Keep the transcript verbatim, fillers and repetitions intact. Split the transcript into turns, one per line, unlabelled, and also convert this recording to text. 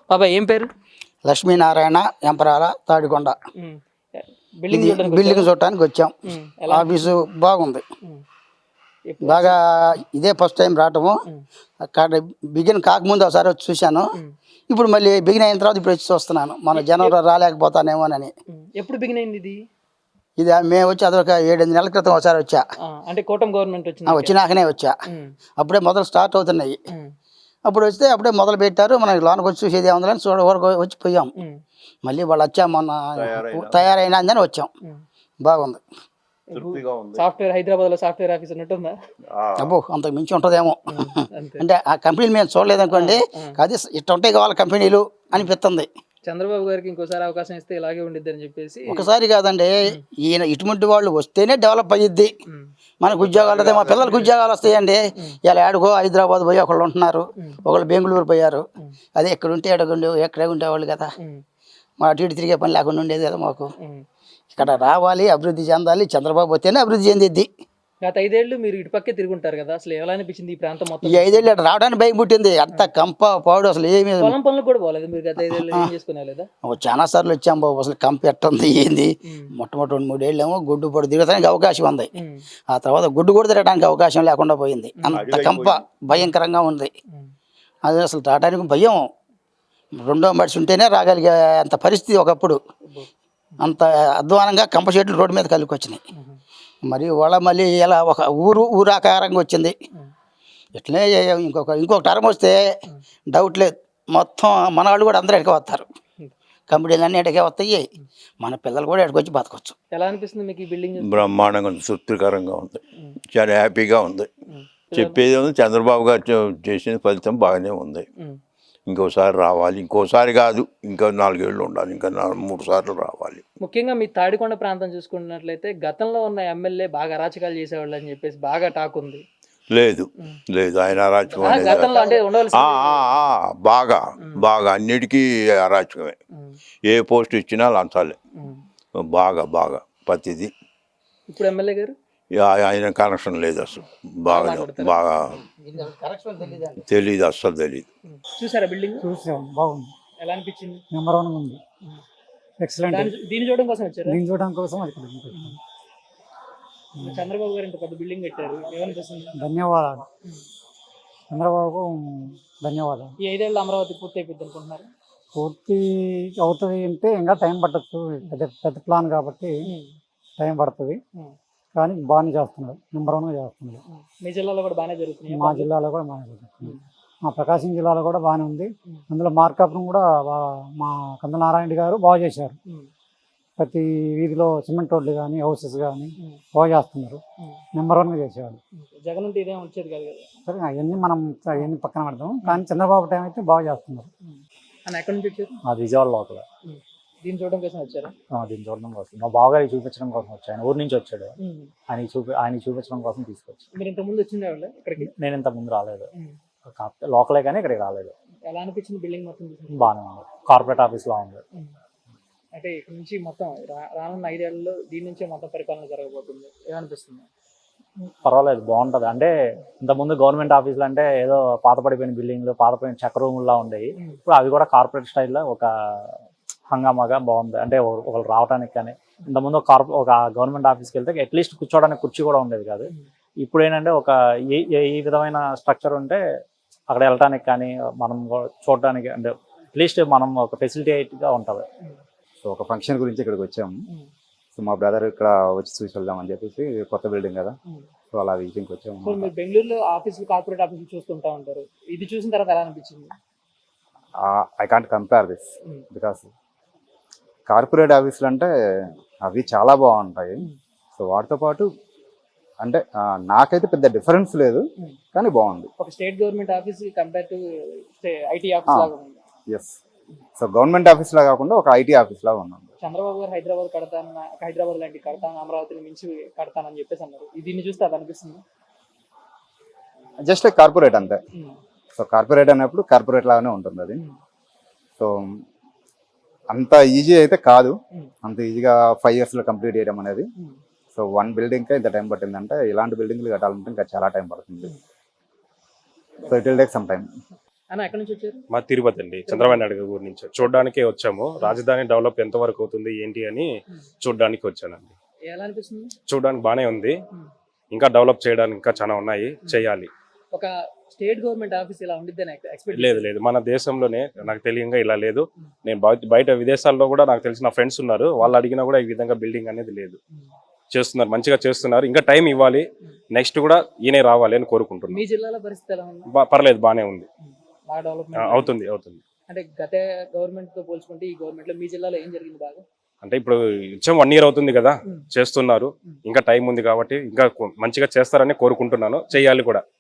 బాబాయ్ ఏం పేరు?
లక్ష్మీనారాయణ ఎంపరాల తాడికొండ.
బిల్డింగ్
బిల్డింగ్ చూడటానికి వచ్చాం. ఆఫీసు బాగుంది, బాగా ఇదే ఫస్ట్ టైం రావటము. అక్కడ బిగిన్ కాకముందు ఒకసారి వచ్చి చూశాను. ఇప్పుడు మళ్ళీ బిగిన్ అయిన తర్వాత ఇప్పుడు వచ్చి చూస్తున్నాను. మన జనవరి రాలేకపోతానేమోనని.
ఎప్పుడు బిగిన్ అయింది ఇది?
ఇది మేము వచ్చి అదొక ఏడెనిమిది నెలల క్రితం ఒకసారి వచ్చా.
అంటే కూటమి గవర్నమెంట్ వచ్చింది,
వచ్చినాకనే వచ్చా. అప్పుడే మొదలు స్టార్ట్ అవుతున్నాయి. అప్పుడు వస్తే అప్పుడే మొదలు పెట్టారు. మనకి లోనకి వచ్చి చూసేది ఏముందని చూడ వచ్చి పోయాం. మళ్ళీ వాళ్ళు వచ్చాం, మొన్న తయారైనా అని వచ్చాం. బాగుంది.
సాఫ్ట్వేర్ హైదరాబాద్ లో సాఫ్ట్వేర్ ఆఫీస్ ఉన్నట్టుందా?
అబ్బో అంతకు మించి ఉంటుందేమో. అంటే ఆ కంపెనీలు మేము చూడలేదు అనుకోండి, అది ఇట్ట ఉంటాయి కావాలి కంపెనీలు అనిపిస్తుంది.
చంద్రబాబు గారికి ఇంకోసారి అవకాశం ఇస్తే ఇలాగే ఉండిద్ది అని చెప్పేసి.
ఒకసారి కాదండి, ఈయన ఇటువంటి వాళ్ళు వస్తేనే డెవలప్ అయ్యిద్ది. మనకు ఉద్యోగాలు వస్తాయి, మా పిల్లలకు ఉద్యోగాలు వస్తాయండి. ఇలా ఆడుకో హైదరాబాద్ పోయి ఒకళ్ళు ఉంటున్నారు, ఒకళ్ళు బెంగళూరు పోయారు. అదే ఇక్కడ ఉంటే ఎడగుండే ఎక్కడే ఉండేవాళ్ళు కదా. మా అటు ఇటు తిరిగే పని లేకుండా ఉండేది కదా మాకు. ఇక్కడ రావాలి, అభివృద్ధి చెందాలి. చంద్రబాబు వస్తేనే అభివృద్ధి చెందిద్ది.
గత ఐదేళ్లు మీరు ఇటు పక్కే తిరుగుంటారు కదా, అసలు ఎలా అనిపించింది ఈ ప్రాంతం మొత్తం?
ఈ ఐదేళ్ళు ఇక్కడ రావడానికి భయం పుట్టింది. అంత కంప పాడు అసలు ఏమి.
పొలం పనులు కూడా పోలేదు మీరు గత ఐదేళ్ళు? ఏం చేసుకునేదా?
చాలా సార్లు వచ్చాం బాబు. అసలు కంప ఎట్టుంది ఏంది. మొట్టమొదటి రెండు మూడేళ్ళు ఏమో గుడ్డు పొడి తిరగడానికి అవకాశం ఉంది. ఆ తర్వాత గుడ్డు కూడా తిరగడానికి అవకాశం లేకుండా పోయింది. అంత కంప భయంకరంగా ఉంది. అది అసలు రావడానికి భయం. రెండో మనిషి ఉంటేనే రాగలిగే అంత పరిస్థితి ఒకప్పుడు. అంత అధ్వానంగా కంప చెట్లు రోడ్డు మీద కలికి వచ్చినాయి. మరి వాళ్ళ మళ్ళీ ఇలా ఒక ఊరు ఊరాకారంగా వచ్చింది. ఇట్లనే ఇంకొక ఇంకొక టర్మ్ వస్తే డౌట్ లేదు, మొత్తం మన వాళ్ళు కూడా అందరూ ఎడకే వస్తారు. కంపెనీలు అన్నీ ఎడకే వస్తాయి. మన పిల్లలు కూడా ఎడకొచ్చి బతకొచ్చు.
ఎలా అనిపిస్తుంది మీకు ఈ బిల్డింగ్?
బ్రహ్మాండంగా ఉంది, తృప్తికరంగా ఉంది, చాలా హ్యాపీగా ఉంది. చెప్పేది ఉంది, చంద్రబాబు గారు చేసిన ఫలితం బాగానే ఉంది. ఇంకోసారి రావాలి, ఇంకోసారి కాదు ఇంకా నాలుగేళ్ళు ఉండాలి, ఇంకా మూడు సార్లు రావాలి.
ముఖ్యంగా మీ తాడికొండ ప్రాంతం చూసుకున్నట్లయితే గతంలో ఉన్న ఎమ్మెల్యే బాగా అరాచకాలు చేసేవాళ్ళు అని చెప్పేసి బాగా టాక్ ఉంది.
లేదు లేదు, ఆయన అరాచకం బాగా బాగా అన్నిటికీ అరాచకమే. ఏ పోస్ట్ ఇచ్చినా లంచాలే, బాగా బాగా ప్రతిదీ.
ఇప్పుడు ఎమ్మెల్యే గారు
ఆయన కనెక్షన్ లేదు అసలు. బాగా బాగా తెలీదు, అస్సలు తెలీదు.
చూసారా బిల్డింగ్?
చూసాం, బాగుంది.
ఎలా అనిపించింది?
నెంబర్ వన్ ఉంది, ఎక్సలెంట్.
దీన్ని చూడడం కోసం వచ్చారు?
దీన్ని చూడడం కోసం అది.
చంద్రబాబు గారు ఇంత పెద్ద బిల్డింగ్ కట్టారు, ఏమనిపిస్తుంది?
ధన్యవాదాలు చంద్రబాబు, ధన్యవాదాలు.
ఈ ఐదేళ్ళు అమరావతి పూర్తి అయిపోద్ది అనుకుంటున్నారు?
పూర్తి అవుతుంది అంటే ఇంకా టైం పట్టచ్చు. పెద్ద పెద్ద ప్లాన్ కాబట్టి టైం పడుతుంది, కానీ బాగానే చేస్తున్నారు. నెంబర్ వన్గా చేస్తున్నారు.
మీ జిల్లాలో కూడా బాగానే జరుగుతుంది?
మా జిల్లాలో కూడా బాగానే జరుగుతుంది. మా ప్రకాశం జిల్లాలో కూడా బాగానే ఉంది. అందులో మార్కాపురం కూడా మా కందుల నారాయణ గారు బాగా చేశారు. ప్రతి వీధిలో సిమెంట్ రోడ్లు కానీ హౌసెస్ కానీ బాగా చేస్తున్నారు. నెంబర్ వన్గా చేసేవాళ్ళు.
జగన్ ఉంటే ఇదేం వచ్చేది కాదు కదా.
సరే, అవన్నీ మనం అవన్నీ పక్కన పెడతాం, కానీ చంద్రబాబు టైం అయితే బాగా చేస్తున్నారు.
ఎక్కడి నుంచి వచ్చారు?
అది విజయవాడ లోపల.
దీన్ని చూడడం కోసం వచ్చారు?
దీన్ని చూడడం కోసం, మా బావగారికి చూపించడం కోసం వచ్చాను. ఆయన ఊరి నుంచి వచ్చాడు, ఆయన చూపి ఆయన చూపించడం కోసం తీసుకొచ్చి.
మీరు ఇంత ముందు వచ్చిందే వాళ్ళు ఇక్కడికి?
నేను ఇంత ముందు రాలేదు, లోకలే కానీ ఇక్కడికి రాలేదు.
ఎలా అనిపించింది బిల్డింగ్ మొత్తం?
బాగానే ఉంది, కార్పొరేట్ ఆఫీస్ లా ఉంది.
అంటే ఇక్కడ నుంచి మొత్తం రానున్న ఐదేళ్లలో దీని నుంచే మొత్తం పరిపాలన జరగబోతుంది, ఏమనిపిస్తుంది?
పర్వాలేదు, బాగుంటుంది. అంటే ఇంతకుముందు గవర్నమెంట్ ఆఫీసులు అంటే ఏదో పాత పడిపోయిన బిల్డింగ్లు, పాతపడిన చెక్క రూముల్లా ఉండేవి. ఇప్పుడు అవి కూడా కార్పొరేట్ స్టైల్లో ఒక హంగామాగా బాగుంది. అంటే ఒకరు రావడానికి కానీ, ఇంతకుముందు ఒక కార్పొ ఒక గవర్నమెంట్ ఆఫీస్కి వెళ్తే అట్లీస్ట్ కూర్చోవడానికి కుర్చీ కూడా ఉండేది కాదు. ఇప్పుడు ఏంటంటే ఒక ఈ విధమైన స్ట్రక్చర్ ఉంటే అక్కడ వెళ్ళటానికి కానీ, మనం చూడడానికి అంటే అట్లీస్ట్ మనం ఒక ఫెసిలిటీగా ఉంటుంది.
సో ఒక ఫంక్షన్ గురించి ఇక్కడికి వచ్చాము. సో మా బ్రదర్ ఇక్కడ వచ్చి చూసి వెళ్దామని చెప్పేసి, కొత్త బిల్డింగ్ కదా, సో అలా విజిటింగ్కి వచ్చాము.
మీరు బెంగళూరులో ఆఫీసులు, కార్పొరేట్ ఆఫీసులు చూస్తుంటా ఉంటారు, ఇది చూసిన తర్వాత ఎలా అనిపించింది?
I can't compare this, because corporate ఆఫీసులు అంటే అవి చాలా బాగుంటాయి. సో వాటితో పాటు అంటే నాకైతే పెద్ద డిఫరెన్స్ లేదు, కానీ బాగుంది.
ఒక state government office compare to IT office లాగా ఉంది.
ఎస్, సో గవర్నమెంట్ ఆఫీస్ లా కాకుండా ఒక ఐటీ ఆఫీస్ లాగా ఉన్నాం.
చంద్రబాబు గారు హైదరాబాద్ కడతాను, హైదరాబాద్ లాంటి కడతాను, అమరావతిని మించి కడతానని చెప్పేసి అన్నారు. దీన్ని చూస్తే అది అనిపిస్తుంది?
జస్ట్ కార్పొరేట్ అంతే. సో కార్పొరేట్ అన్నప్పుడు కార్పొరేట్ లాగానే ఉంటుంది అది. సో అంత ఈజీ అయితే కాదు, అంత ఈజీగా ఫైవ్ ఇయర్స్లో కంప్లీట్ చేయడం అనేది. సో వన్ బిల్డింగ్కే ఇంత టైం పట్టిందంటే, ఇలాంటి బిల్డింగ్లు కట్టాలంటే ఇంకా చాలా టైం పడుతుంది. So it will take some time.
అన్న ఎక్కడి నుంచి వచ్చారు?
మా తిరుపతి అండి, చంద్రబాబు నాయుడు గారి ఊరి నుంచి చూడడానికి వచ్చాము. రాజధాని డెవలప్ ఎంత వరకు అవుతుంది ఏంటి అని చూడడానికి వచ్చానండి.
ఎలా అనిపిస్తుంది?
చూడడానికి బానే ఉంది, ఇంకా డెవలప్ చేయడానికి ఇంకా చాలా ఉన్నాయి, చేయాలి.
ఒక స్టేట్ గవర్నమెంట్ ఆఫీస్ ఇలా ఉండిద్దని ఎక్స్పెక్ట్
లేదు లేదు, మన దేశంలోనే నాకు తెలియంగా ఇలా లేదు. నేను బయట బయట విదేశాల్లో కూడా నాకు తెలిసిన ఫ్రెండ్స్ ఉన్నారు, వాళ్ళు అడిగినా కూడా ఈ విధంగా బిల్డింగ్ అనేది లేదు. చేస్తున్నారు, మంచిగా చేస్తున్నారు. ఇంకా టైం ఇవ్వాలి, నెక్స్ట్ కూడా ఈయనే రావాలి అని కోరుకుంటున్నాను.
మీ జిల్లాలో పరిస్థితి ఎలా ఉంది?
బా- పర్లేదు, బానే ఉంది,
బాగా
ఆ,
డెవలప్మెంట్
అవుతుంది అవుతుంది.
అంటే గత గవర్నమెంట్ తో పోల్చుకుంటే ఈ గవర్నమెంట్ లో మీ జిల్లాలో ఏం జరిగింది బాగా?
అంటే ఇప్పుడు ఇచ్చం వన్ ఇయర్ అవుతుంది కదా, చేస్తున్నారు. ఇంకా టైం ఉంది కాబట్టి ఇంకా మంచిగా చేస్తారని కోరుకుంటున్నాను, చేయాలి కూడా.